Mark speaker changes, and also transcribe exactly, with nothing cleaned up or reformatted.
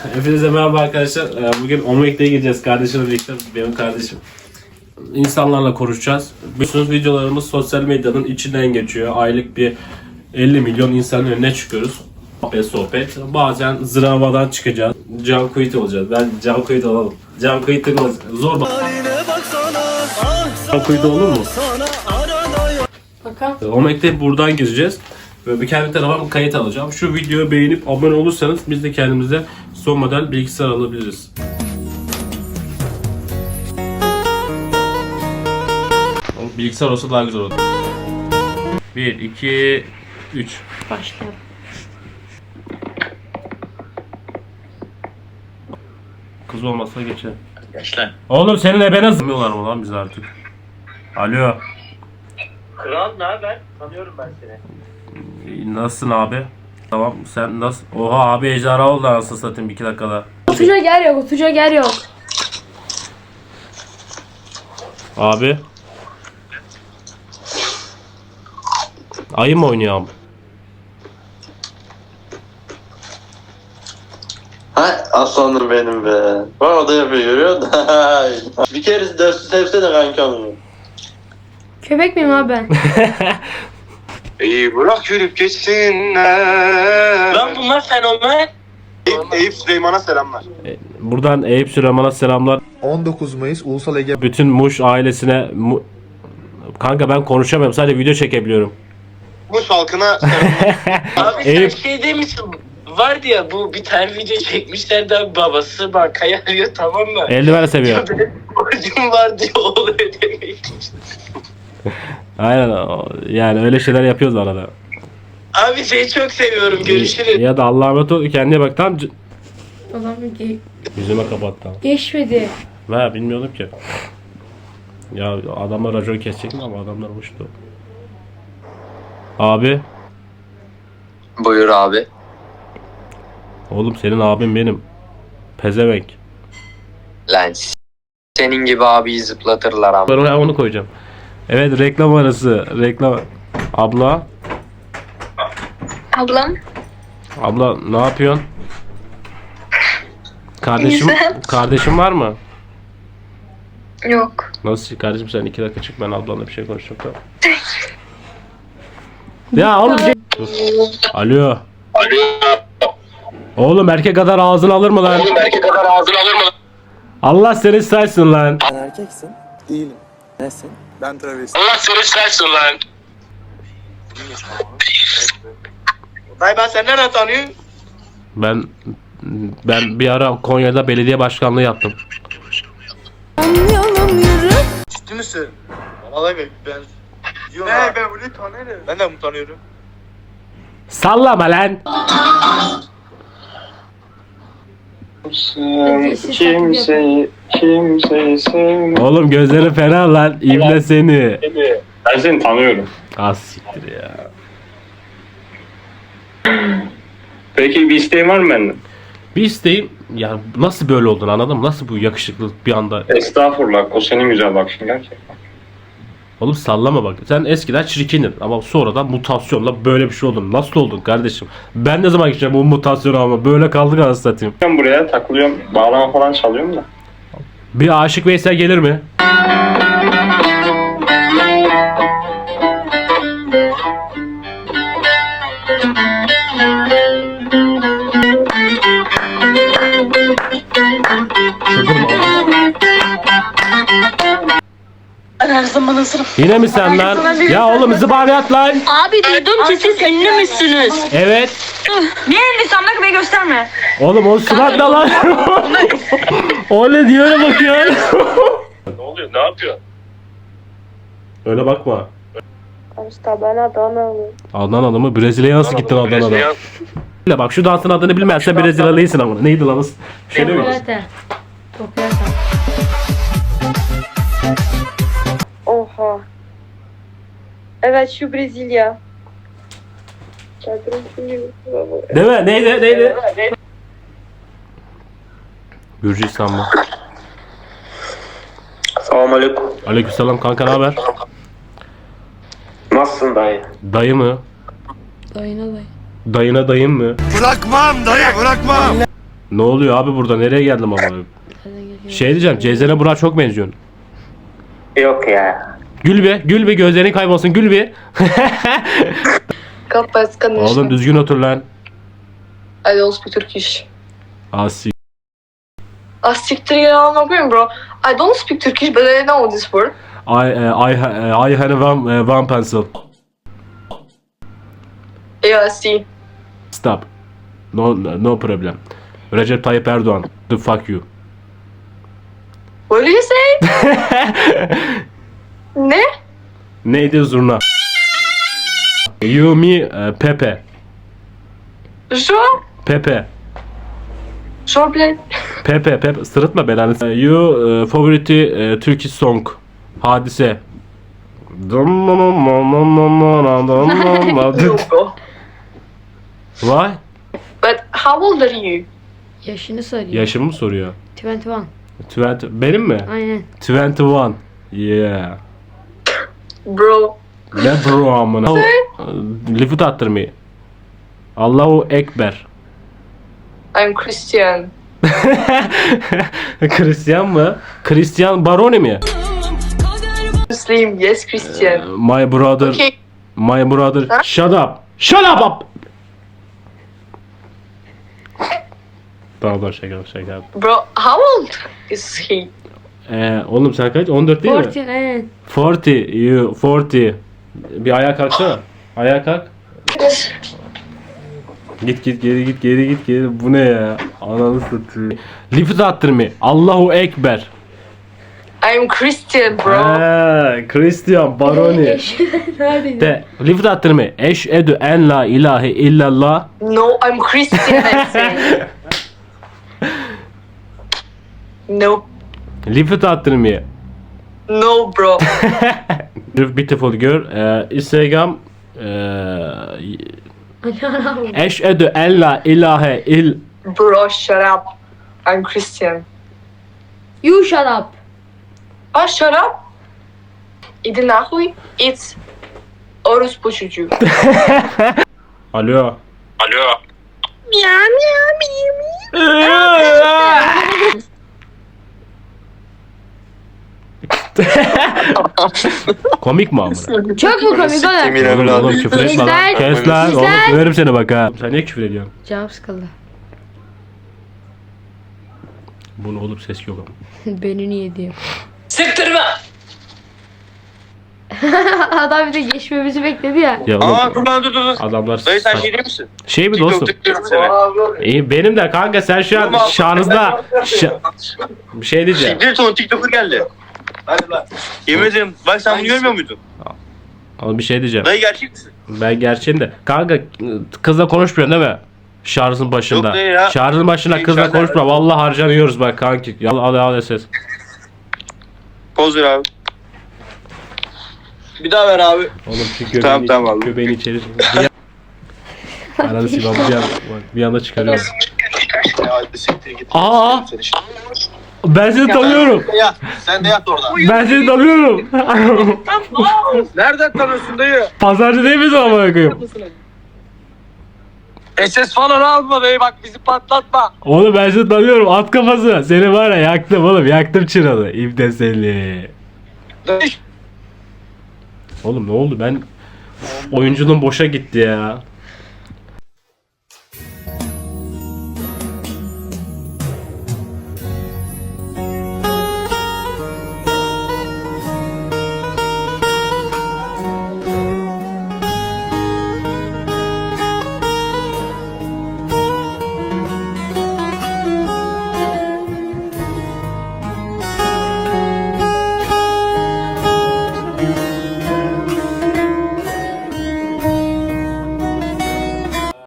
Speaker 1: Hepinize merhaba arkadaşlar. Bugün Omek'te gideceğiz kardeşimle birlikte. Benim kardeşim. İnsanlarla konuşacağız. Biliyorsunuz videolarımız sosyal medyanın içinden geçiyor. Aylık bir elli milyon insanın önüne çıkıyoruz. Sohbet sohbet. Bazen zıravadan çıkacağız. Can Kuyut olacağız. Ben Can Kuyut olalım. Can Kuyut olacağız. Zor bak. Can Kuyut olur mu?
Speaker 2: Bakalım.
Speaker 1: Omek'te buradan gireceğiz. Ve bir kendi tarafıma kayıt alacağım. Şu videoyu beğenip abone olursanız biz de kendimize son model bilgisayar alabiliriz. Bilgisayar olsa daha güzel olur. bir, iki, üç.
Speaker 2: Başlayalım.
Speaker 1: Kız olmazsa geçelim.
Speaker 3: Gençler.
Speaker 1: Oğlum senin ebene zımmıyorlar mı lan biz artık? Alo.
Speaker 3: Kral ne haber? Tanıyorum ben seni.
Speaker 1: Nasılsın abi? Tamam sen nasıl? Oha abi ejderha oldu anasını satayım iki dakikada.
Speaker 2: Oturacak yer yok, oturacak yer yok.
Speaker 1: Abi. Ayı mı oynuyor abi?
Speaker 4: Ha aslanım benim be. Bana o da yapıyor görüyor musun? Bir kere dersi sevsene kanka onu.
Speaker 2: Köpek miyim abi ben?
Speaker 5: İyi bırak yürüp geçsinler.
Speaker 3: Lan bunlar fenomen.
Speaker 5: Eyüp, Eyüp Süleyman'a selamlar.
Speaker 1: Buradan Eyüp Süleyman'a selamlar.
Speaker 6: on dokuz Mayıs Ulusal Ege
Speaker 1: Bütün Muş ailesine mu... Kanka ben konuşamıyorum sadece video çekebiliyorum.
Speaker 5: Muş halkına selamlar.
Speaker 3: Abi sen
Speaker 1: Eyüp.
Speaker 3: şey demişsin. Vardı ya bu bir tane video çekmişlerdi abi, babası bankayı arıyor, tamam mı?
Speaker 1: Eldiven seviyor.
Speaker 3: Benim borcum var diyor, oğlu ödemeyi.
Speaker 1: Aynen o- yani öyle şeyler yapıyoruz arada.
Speaker 3: Abi seni çok seviyorum, görüşürüz.
Speaker 1: Ya da Allah'a emanet ol kendine bak tam c-
Speaker 2: Adam ge-
Speaker 1: yüzüme kapattı.
Speaker 2: geçmedi.
Speaker 1: Ha bilmiyordum ki. Ya adamlar racon kesecek mi ama adamlar uçtu. Abi.
Speaker 4: Buyur abi.
Speaker 1: Oğlum senin abin benim. Pezevenk.
Speaker 4: Lan senin gibi abiyi zıplatırlar ama.
Speaker 1: Ben oraya onu koyacağım. Evet reklam arası. Reklam. Abla.
Speaker 7: Ablam.
Speaker 1: Abla ne yapıyorsun? Kardeşim
Speaker 7: Güzel.
Speaker 1: kardeşim var mı?
Speaker 7: Yok.
Speaker 1: Nasıl kardeşim sen iki dakika çık ben ablanla bir şey konuşacağım tamam. Ya oğlum şey... Dur. Alo. Oğlum erkek kadar ağzını alır mı lan?
Speaker 5: Erkek kadar ağzını alır mı?
Speaker 1: Allah seni saysın lan.
Speaker 6: Sen erkeksin. Değilim. Nesin? Ben travesti.
Speaker 5: Allah seni sersin lan. Dayı ben seni nereden tanıyorum?
Speaker 1: Ben ben bir ara Konya'da belediye başkanlığı yaptım.
Speaker 5: Ciddi misin? Vallahi ben ben... Ne ben bunu tanıyorum. Ben de bunu tanıyorum.
Speaker 1: Sallama lan.
Speaker 2: Kimseyi,
Speaker 5: kimseyi sevmem.
Speaker 1: Oğlum gözleri fena lan. İbne seni.
Speaker 5: Ben seni tanıyorum.
Speaker 1: Az siktir ya.
Speaker 5: Peki bir isteğin var mı benden?
Speaker 1: Bir isteğim ya nasıl böyle oldun anladın mı? Nasıl bu yakışıklılık bir anda?
Speaker 5: Estağfurullah, o senin güzel bakışın gerçekten.
Speaker 1: Oğlum sallama bak. Sen eskiden çirkindin ama sonradan mutasyonla böyle bir şey oldun. Nasıl oldun kardeşim? Ben ne zaman geçeceğim bu mutasyonu ama böyle kaldık anasını satayım.
Speaker 5: Ben buraya takılıyorum, bağlama falan çalıyorum da.
Speaker 1: Bir Aşık Veysel gelir mi?
Speaker 7: Ben her zaman hazırım.
Speaker 1: Yine mi sen lan? Ya oğlum zıbariyat lan.
Speaker 7: Abi duydum ki siz ünlü müsünüz?
Speaker 1: Evet.
Speaker 7: Niye ünlüysem bak beni gösterme.
Speaker 1: Oğlum o surat ne lan? O ne diyor öyle bakıyor.
Speaker 5: Ne oluyor, ne yapıyor?
Speaker 1: Öyle bakma.
Speaker 2: İşte ben Adana'lıyım.
Speaker 1: Adnan adamı Brezilya'ya nasıl gittin Adana'da? Bile bak şu dansın adını bilmezsen Brezilyalıyısın ama. Neydi lan? Bir şey değil mi?
Speaker 2: Popülate. Popülate.
Speaker 8: Oha. Evet şu Brezilya.
Speaker 1: Değil mi? Neydi? Neydi? Gürcistan mı?
Speaker 5: Selamünaleyküm.
Speaker 1: Aleykümselam kanka ne haber?
Speaker 5: Nasılsın dayı?
Speaker 1: Dayı mı?
Speaker 2: Dayına dayı.
Speaker 1: Dayına dayım mı?
Speaker 6: Bırakmam dayı bırakmam.
Speaker 1: Ne oluyor abi burada? Nereye geldim ama? Şey diyeceğim, Ceyzen'e Burak'a çok benziyorsun.
Speaker 3: Yok ya.
Speaker 1: Gül be, gül be, gözlerin kaybolsun, gül be.
Speaker 8: Капец, конечно.
Speaker 1: Oğlum düzgün otur lan.
Speaker 8: I don't speak Turkish.
Speaker 1: Asi.
Speaker 8: Ah siktir ya amına koyayım bro. I don't speak Turkish but I know this word.
Speaker 1: I, uh, I, uh, I had one, uh, one pencil.
Speaker 8: Yeah, I see.
Speaker 1: Stop. No, no problem. Recep Tayyip Erdoğan. The fuck you.
Speaker 8: What do you say? Ne?
Speaker 1: Neydi zurna? You, me, uh, Pepe.
Speaker 8: Şu?
Speaker 1: Pepe.
Speaker 8: Şu bled.
Speaker 1: Pepe, Pepe. Sırıtma belanı. Uh, you, uh, favorite uh, Turkish song. Hadise.
Speaker 8: Yok.
Speaker 1: Why?
Speaker 8: But how old are you?
Speaker 2: Yaşını soruyor.
Speaker 1: Yaşımı mı soruyor?
Speaker 2: yirmi bir.
Speaker 1: yirmi. Benim mi?
Speaker 2: Aynen.
Speaker 1: yirmi bir. Yeah.
Speaker 8: Bro.
Speaker 1: Ne bro amına? Lifut attırmayı. Allahu Ekber.
Speaker 8: I'm Christian.
Speaker 1: Hristiyan mı? Hristiyan Baroni mi?
Speaker 8: Muslim. Yes, Christian.
Speaker 1: My brother.
Speaker 8: Okay.
Speaker 1: My brother. Shut up. Shut up up. Pardon şaka şaka.
Speaker 8: Bro, how old is he?
Speaker 1: Ee, oğlum sen kaç? on dört değil mi?
Speaker 2: kırk aynen.
Speaker 1: kırk. You kırk. Bir ayağa kalksana. Ayağa kalk. Git git geri git geri git geri. Bu ne ya? Ananı satayım. Lifut attırma. Allahu Ekber.
Speaker 8: I'm Christian bro.
Speaker 1: Ha, Christian Baroni.
Speaker 2: Neredeydi?
Speaker 1: De lifut attırma. Eşhedü en la ilahe illallah.
Speaker 8: No, I'm Christian I say. No.
Speaker 1: Lifut attırma.
Speaker 8: No bro.
Speaker 1: Beautiful girl. Ee, Instagram. Ee, Eşhedü en la ilahe il.
Speaker 8: Bro, shut up. I'm Christian.
Speaker 2: You shut up.
Speaker 8: Ah, shut up. Иди нахуй. It's orospu çocuğu.
Speaker 1: Alo.
Speaker 3: Alo.
Speaker 1: Komik mi amına?
Speaker 2: Çok mu komik
Speaker 5: Siktimin
Speaker 2: oğlum?
Speaker 1: Oğlum,
Speaker 5: evladı.
Speaker 1: oğlum küfür etme lan.
Speaker 2: İzler.
Speaker 1: Kes lan.
Speaker 2: İzler.
Speaker 1: Oğlum döverim seni bak ha. Sen niye küfür ediyorsun?
Speaker 2: Canım sıkıldı.
Speaker 1: Bunu oğlum ses yok ama.
Speaker 2: Beni niye diyor.
Speaker 3: Siktirme.
Speaker 2: Adam bir de geçmemizi bekledi ya.
Speaker 1: Ya oğlum,
Speaker 5: Aa dur lan dur dur dur.
Speaker 1: adamlar
Speaker 5: Dayı sen
Speaker 1: saç-
Speaker 5: şey değil misin?
Speaker 1: şey mi dostum?
Speaker 5: TikTok tıklıyorum seni.
Speaker 1: İyi benim de kanka sen şu an şanınızda şa- bir şey diyeceğim.
Speaker 5: Siktir son TikToker geldi. Hadi lan. Yemin ederim bak sen bunu görmüyor muydun?
Speaker 1: Ama bir şey diyeceğim.
Speaker 5: Dayı gerçek misin?
Speaker 1: Ben gerçeğim de. Kanka kızla konuşmuyorsun değil mi? Şarjın başında.
Speaker 5: Yok be ya.
Speaker 1: Şarjın başında
Speaker 5: Şey,
Speaker 1: kızla
Speaker 5: şarjı-
Speaker 1: konuşma. Vallahi harcanıyoruz bak kanki. Al al al ses.
Speaker 5: Poz ver abi. Bir daha ver abi.
Speaker 1: Oğlum şu göbeğini,
Speaker 5: Tamam, tamam abi.
Speaker 1: göbeğini içeri. Bir Ananı silahı bir, an, bir anda çıkarıyorum.
Speaker 5: Ya hadi siktir git.
Speaker 1: Aa! Ben seni tanıyorum.
Speaker 5: Ya sen de yat orada.
Speaker 1: Ben seni tanıyorum.
Speaker 5: Nereden tanıyorsun dayı?
Speaker 1: Pazarcı değil misin amına koyayım?
Speaker 5: S S falan alma dayı bak bizi patlatma.
Speaker 1: Oğlum ben seni tanıyorum. At kafası. Seni var ya yaktım oğlum. Yaktım çıralı. İbne seni.
Speaker 5: Dayı
Speaker 1: Oğlum ne oldu? Ben oyunculuğum boşa gitti ya.